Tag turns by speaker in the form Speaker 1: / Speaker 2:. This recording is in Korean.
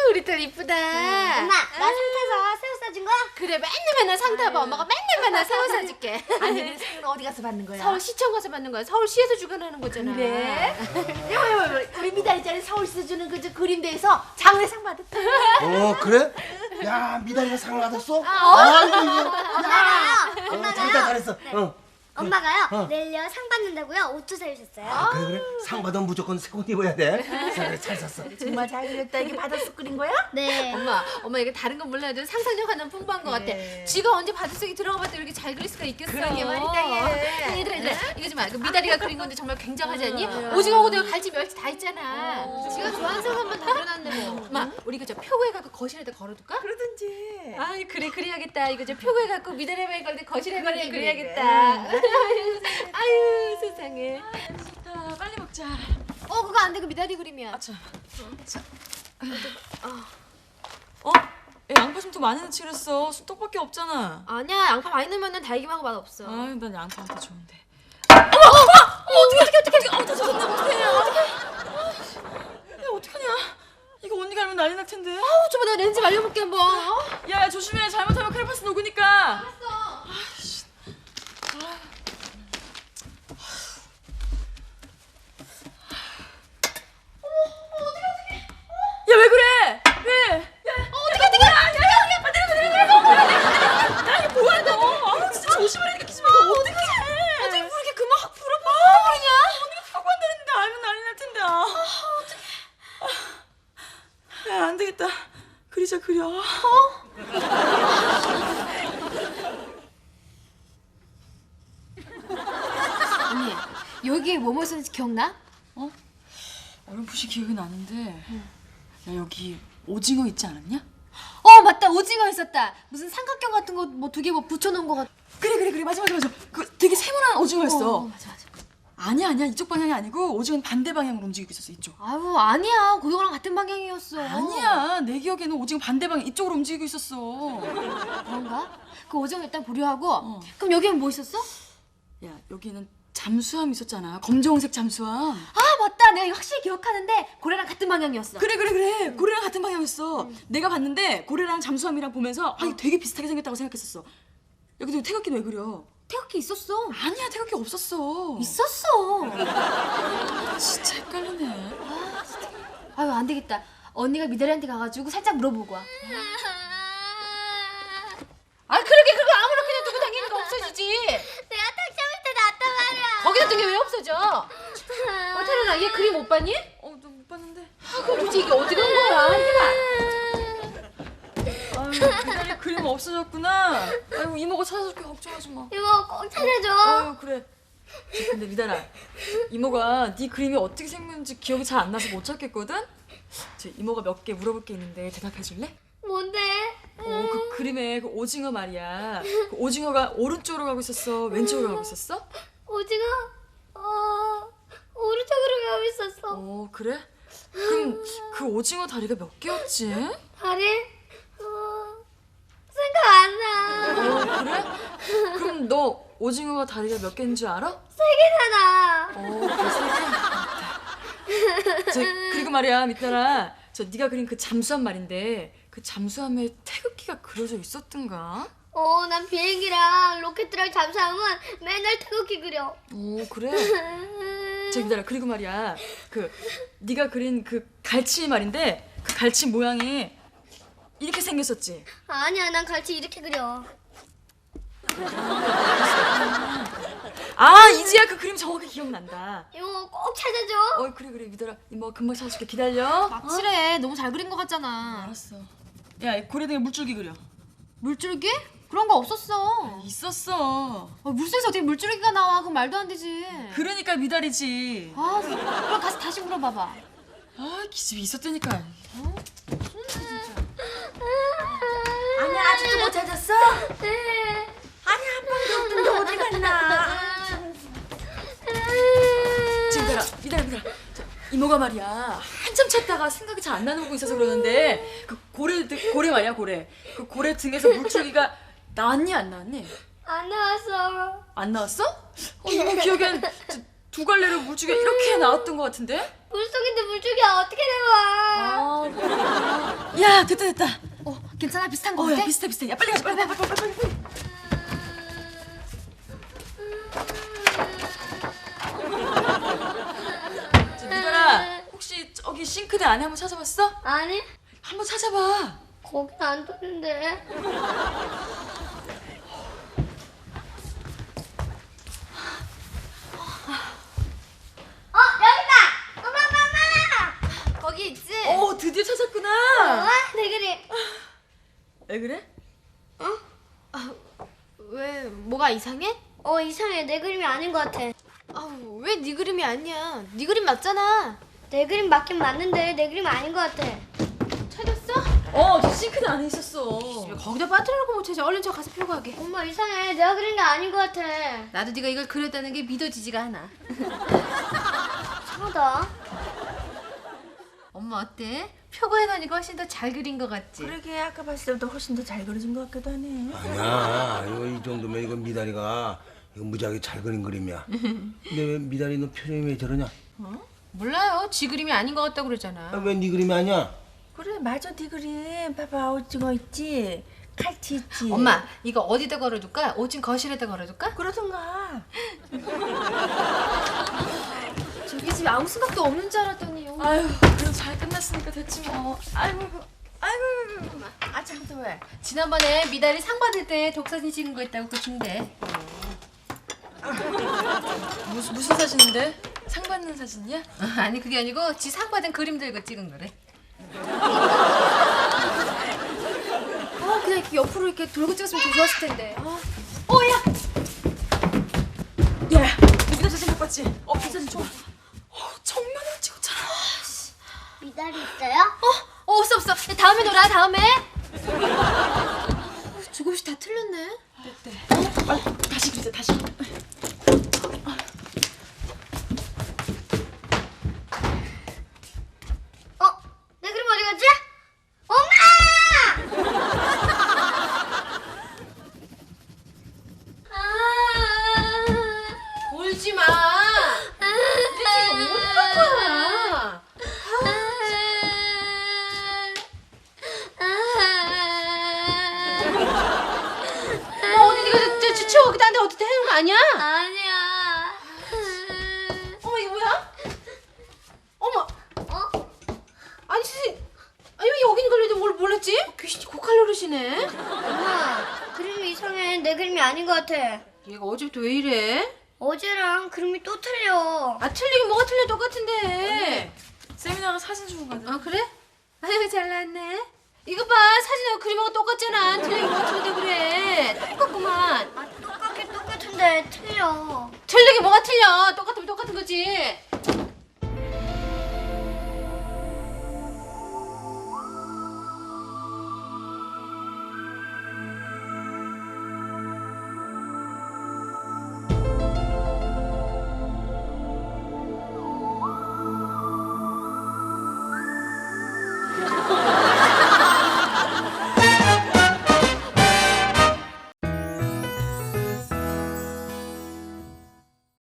Speaker 1: 우리 딸 이쁘다.
Speaker 2: 엄마, 나 상 타서 새우 싸준 거야?
Speaker 1: 그래, 맨날 상 타봐. 엄마가 맨날 새우 사줄게.
Speaker 3: 아니, 상은 어디 가서 받는 거야?
Speaker 1: 서울시청 가서 받는 거야. 서울시에서 주관하는 거잖아.
Speaker 3: 그래? 이거 우리 미달이짜리 서울시 주는 그 그림대에서 장례상 받았대.
Speaker 4: 그래? 야, 미달이가 상 받았어?
Speaker 2: 엄마가요.
Speaker 4: 잘했어.
Speaker 2: 엄마가요. 내일요 상 받는다고요. 옷도 사주셨어요.
Speaker 4: 그래. 상 받으면 무조건 새 옷 입어야 돼. 잘 샀어.
Speaker 3: 정말 잘 그렸다. 이게 받아서 그린 거야?
Speaker 2: 네.
Speaker 1: 엄마 이게 다른 건 몰라도 상상력 하나는 풍부한 것 같아. 지가 언제 바닷속에 들어가 봐도 이렇게 잘 그릴 수가 있겠어.
Speaker 3: 그러게 말이다, 얘.
Speaker 1: 얘들아 이거 좀 봐. 그 미다리가 그린 건데 정말 굉장하지 않니? 오징어하고 내가 갈치 멸치 다 있잖아. 지가 좋아하는 상 한번 다 그려놨네 뭐. 엄마 우리 그 저 표구에 갖고 거실에다 걸어둘까?
Speaker 3: 그러든지.
Speaker 1: 아이 그래 그래야겠다. 이거 저 표구에 갖고 미다리 바이 걸때 거실에 걸때 그래야겠다. 아유 세상에.
Speaker 5: 좋다. 빨리 먹자.
Speaker 1: 그거 안 돼. 그 미다리 그림이야.
Speaker 5: 야, 양파 좀 더 많이 넣지 그랬어. 쑥떡밖에 없잖아.
Speaker 1: 아니야 양파 많이 넣으면 달기만 하고 맛없어.
Speaker 5: 아유, 난 양파가 더 좋은데. 야, 어떡하냐. 이거 언니가 알면 난리 날 텐데.
Speaker 1: 줘봐 내가 렌즈 말려볼게 한번.
Speaker 5: 야, 조심해. 잘못하면 크레파스 녹으니까. 야, 왜 그래? 왜? 뭐야 너? 진짜 조심하라니까 기집애. 너 어떡해? 어떻게 그렇게 그만 확 불어? 그러냐? 언니가 사고 한다는데 알면 난리 날 텐데. 어떡해. 야, 안 되겠다. 그리자 그려.
Speaker 1: 언니 여기 뭐뭐 쓰는지 기억나?
Speaker 5: 어렴풋이 기억이 나는데. 야, 여기 오징어 있지 않았냐?
Speaker 1: 맞다 오징어 있었다. 무슨 삼각형 같은 거 뭐 두 개 뭐 붙여놓은 거 같.
Speaker 5: 그래 맞아. 그 되게 세모난 오징어였어.
Speaker 1: 맞아.
Speaker 5: 아니야 이쪽 방향이 아니고 오징어는 반대 방향으로 움직이고 있었어. 이쪽.
Speaker 1: 아유 아니야 고등어랑 같은 방향이었어.
Speaker 5: 아니야, 내 기억에는 오징어 반대 방향 이쪽으로 움직이고 있었어.
Speaker 1: 그런가? 그 오징어 일단 보류하고. 그럼 여기는 뭐 있었어?
Speaker 5: 야, 여기는 잠수함 있었잖아. 검정색 잠수함.
Speaker 1: 맞다 내가 이거 확실히 기억하는데 고래랑 같은 방향이었어.
Speaker 5: 그래. 고래랑 같은 방향이었어. 내가 봤는데 고래랑 잠수함이랑 보면서 이거 되게 비슷하게 생겼다고 생각했었어. 야, 근데 태극기는 왜 그려?
Speaker 1: 태극기 있었어.
Speaker 5: 아니야, 태극기 없었어.
Speaker 1: 있었어.
Speaker 5: 진짜 헷갈리네.
Speaker 1: 아유 안 되겠다. 언니가 미다리한테 가가지고 살짝 물어보고 와. 그러게 그거 아무나 그냥 두고 다니는 거 없어지지.
Speaker 2: 내가 탁자 밑에 놨단 말이야.
Speaker 1: 거기다 둔 게 왜 없어져? 태연아 얘 그림 못 봤니?
Speaker 5: 너 못 봤는데.
Speaker 1: 그럼 도대체 이게 어디 간 거야?
Speaker 5: 아유, 미달이 그림 없어졌구나. 아이고, 이모가 찾아줄게. 걱정하지 마.
Speaker 2: 이모 꼭 찾아줘.
Speaker 5: 아유, 그래. 근데 미달아, 이모가 네 그림이 어떻게 생겼는지 기억이 잘 안 나서 못 찾겠거든? 이모가 몇 개 물어볼 게 있는데 대답해 줄래?
Speaker 2: 뭔데?
Speaker 5: 그 그림에 그 오징어 말이야. 그 오징어가 오른쪽으로 가고 있었어? 왼쪽으로 가고 있었어?
Speaker 2: 오징어? 오른쪽으로 가고 있었어.
Speaker 5: 그래? 그럼 그 오징어 다리가 몇 개였지?
Speaker 2: 다리? 생각 안 나.
Speaker 5: 그래? 그럼 너 오징어가 다리가 몇 개인 줄 알아?
Speaker 2: 세 개잖아.
Speaker 5: 그 그리고 말이야, 미따라, 네가 그린 그 잠수함 말인데 그 잠수함에 태극기가 그려져 있었던가?
Speaker 2: 난 비행기랑 로켓이랑 잠수함은 맨날 태극기 그려.
Speaker 5: 그래? 미따라, 그리고 말이야, 네가 그린 그 갈치 말인데 그 갈치 모양이 이렇게 생겼었지?
Speaker 2: 아니야, 난 갈치 이렇게 그려.
Speaker 5: 이제야 그 그림 정확히 기억난다.
Speaker 2: 이모 꼭 찾아줘.
Speaker 5: 그래, 미따라, 이모가 금방 찾아줄게. 기다려.
Speaker 1: 막칠해. 너무 잘 그린 것 같잖아.
Speaker 5: 알았어. 야, 고래 등에 물줄기 그려.
Speaker 1: 물줄기? 그런 거 없었어.
Speaker 5: 있었어.
Speaker 1: 물속에서 어떻게 물줄기가 나와? 그건 말도 안 되지.
Speaker 5: 그러니까 미달이지.
Speaker 1: 그럼 가서 다시 물어봐봐.
Speaker 5: 기집이 있었다니까.
Speaker 3: 아니, 아직도 못 찾았어?
Speaker 2: 네.
Speaker 3: 아니, 한 방도 없는데 어디 갔나?
Speaker 5: 미달아. 이모가 말이야, 한참 찾다가 생각이 잘 안 나는 거 있어서 그러는데 그 고래 말이야, 고래. 그 고래 등에서 물줄기가 나왔니 안 나왔니?
Speaker 2: 안 나왔어.
Speaker 5: 안 나왔어? 이모 기억엔 두 갈래로 물줄기가 이렇게 나왔던 것 같은데?
Speaker 2: 물속인데 물줄기가 어떻게 나와?
Speaker 5: 그렇구나. 야, 됐다.
Speaker 1: 괜찮아? 비슷한 거
Speaker 5: 야,
Speaker 1: 같아?
Speaker 5: 비슷해. 야, 빨리 가자. 빨리. 미달아, 혹시 저기 싱크대 안에 한번 찾아봤어?
Speaker 2: 아니,
Speaker 5: 한번 찾아봐.
Speaker 2: 거긴 안 떴는데. 여기다! 엄마!
Speaker 1: 거기 있지?
Speaker 5: 드디어 찾았구나.
Speaker 2: 내 그림.
Speaker 5: 왜 그래?
Speaker 1: 왜 뭐가 이상해?
Speaker 2: 이상해. 내 그림이 아닌 것 같아.
Speaker 1: 왜 네 그림이 아니야? 네 그림 맞잖아.
Speaker 2: 내 그림 맞긴 맞는데 내 그림 아닌 것 같아.
Speaker 1: 찾았어?
Speaker 5: 저 싱크대 안에 있었어.
Speaker 1: 왜 거기다 빠뜨려놓고 못 찾아? 얼른 저 가서 펴고 하게.
Speaker 2: 엄마 이상해. 내가 그린 게 아닌 것 같아.
Speaker 1: 나도 네가 이걸 그렸다는 게 믿어지지가 않아.
Speaker 2: 이상하다.
Speaker 1: 엄마 어때? 표고 해놓으니까 훨씬 더 잘 그린 것 같지?
Speaker 6: 그러게 아까 봤을 때보다 훨씬 더 잘 그려진 것 같기도 하네.
Speaker 4: 아니야. 이거 이 정도면 이거 미달이가 이거 무지하게 잘 그린 그림이야. 근데 왜 미달이 너 표정이 왜 저러냐?
Speaker 1: 몰라요. 지 그림이 아닌 것 같다고 그러잖아.
Speaker 4: 왜 네 그림이 아니야?
Speaker 6: 그래 맞아 네 그림. 봐봐 오징어 있지, 칼치 있지.
Speaker 1: 엄마 이거 어디다 걸어둘까? 5층 거실에다 걸어둘까?
Speaker 6: 그러던가.
Speaker 1: 저기 집에 아무 생각도 없는 줄 알았더니
Speaker 5: 아유, 그래도 잘 끝났으니까 됐지 뭐. 아이고.
Speaker 6: 아침부터 왜?
Speaker 1: 지난번에 미달이 상 받을 때 독사진 찍은 거 있다고 그거 준대.
Speaker 5: 무슨 사진인데? 상 받는 사진이야?
Speaker 1: 아니 그게 아니고 지 상 받은 그림 들고 찍은 거래. 그냥 이렇게 옆으로 이렇게 돌고 찍었으면 더 좋았을 텐데.
Speaker 5: 야, 누구나 사진 못 봤지? 그 사진 좋아. 정면으로 찍었잖아.
Speaker 2: 미달이 있어요?
Speaker 1: 없어. 다음에 놀아 다음에. 조금씩 다 틀렸네.
Speaker 5: 다시 그리자, 다시.
Speaker 2: 내 그림 어디 갔지? 엄마!
Speaker 1: 울지 마. 지금 어디 갈 거야? 어디 네가 치워 여기다 한데 어디 해놓은 거 아니야?
Speaker 2: 아니야.
Speaker 1: 어머 이거 뭐야? 어머. 아니 선생님. 아니 왜 여기 있는 걸 뭘 몰랐지? 귀신이 고칼로리시네.
Speaker 2: 엄마, 그림이 이상해. 내 그림이 아닌 것 같아.
Speaker 1: 얘가 어제부터 왜 이래?
Speaker 2: 어제랑 그림이 또 틀려.
Speaker 1: 틀리긴 뭐가 틀려 똑같은데.
Speaker 5: 세미나가 사진 주고 가자.
Speaker 1: 아 그래? 아유 잘 나왔네. 이거 봐 사진하고 그림하고 똑같잖아. 틀리긴 뭐가 틀린데 그래. 똑같구만.
Speaker 2: 똑같은데 틀려.
Speaker 1: 틀리긴 뭐가 틀려. 똑같으면 똑같은 거지.